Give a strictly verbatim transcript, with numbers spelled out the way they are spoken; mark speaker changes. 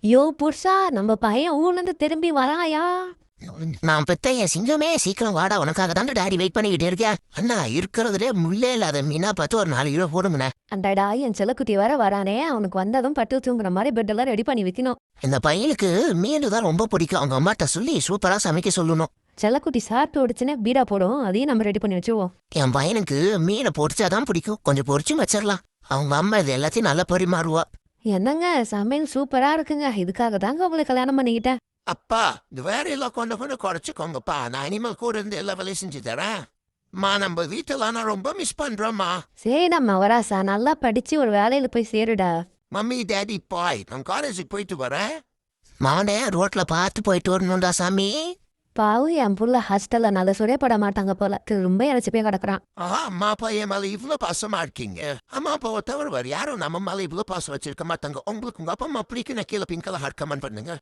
Speaker 1: யோ புருஷா, நம்ம பையன் ஊர்லேருந்து திரும்பி வராயா?
Speaker 2: நான் பெத்த என் சிங்கமே சீக்கிரம் வாடா, உனக்காக தான் டாடி வெயிட் பண்ணிக்கிட்டே இருக்கேன். அண்ணா இருக்கிறதுலே முள்ளே இல்லாத மீனா பார்த்து ஒரு நாலு கிலோ போடுங்கண்ணே.
Speaker 1: அண்டடா, என் செல்லக்குட்டி வர வரானே, அவனுக்கு வந்ததும் பட்டு தூங்குற மாதிரி பெட்டெல்லாம் ரெடி பண்ணி வைக்கணும்.
Speaker 2: இந்த பையனுக்கு மீன் தான் ரொம்ப பிடிக்கும். அவங்க அம்மாட்ட சொல்லி சூப்பரா சமைக்க சொல்லணும்.
Speaker 1: செல்லக்குட்டி சாப்பிட்டு ஓடிச்சுன்னா பீடா போடும், அதையும் நம்ம ரெடி பண்ணி வச்சுவோம்.
Speaker 2: என் பையனுக்கு மீனை பொரிச்சாதான் பிடிக்கும். கொஞ்சம் பொரிச்சும் வச்சிடலாம். அவங்க அம்மா இது எல்லாத்தையும் நல்லா பரிமாறுவா.
Speaker 1: என்னங்க சமையல் சூப்பரா இருக்குங்க. இதுக்காக தாங்க உங்களை கல்யாணம் பண்ணிக்கிட்டேன்.
Speaker 2: அப்பா, இந்த வேற எல்லாம் கொஞ்சம் கொஞ்சம் குறைச்சிக்கோங்கப்பா. நான் இனிமேல் கூட இருந்து எல்லா வேலையும் செஞ்சு தரேன். மா, நம்ம வீட்டெல்லாம் நான் ரொம்ப மிஸ் பண்றோம்மா.
Speaker 1: சரி நம்ம வராசா, நல்லா படிச்சு ஒரு வேலையில போய் சேருடா.
Speaker 2: மம்மி டேடி பாய், நான் காலேஜுக்கு போயிட்டு வரேன். மானே ரோட்ல பார்த்து போயிட்டு வரணும்டா சாமி.
Speaker 1: பாவு, என் புள்ள ஹாஸ்டல்ல நல்ல சுரே பட மாட்டாங்க போல, ரொம்ப இறைச்சி போய் கிடக்குறான்.
Speaker 2: ஆஹா, அம்மா அப்பா என் மேல இவ்வளவு பாசமா இருக்கீங்க. அம்மா அப்பாவை தவிர வேறு யாரும் நம்ம மேல இவ்வளவு பாசம் வச்சிருக்க மாட்டாங்க. உங்களுக்கு உங்க அப்பா அம்மா பிடிக்கும், கீழே பின்கெல்லாம் ஹார்ட் கமெண்ட் பண்ணுங்க.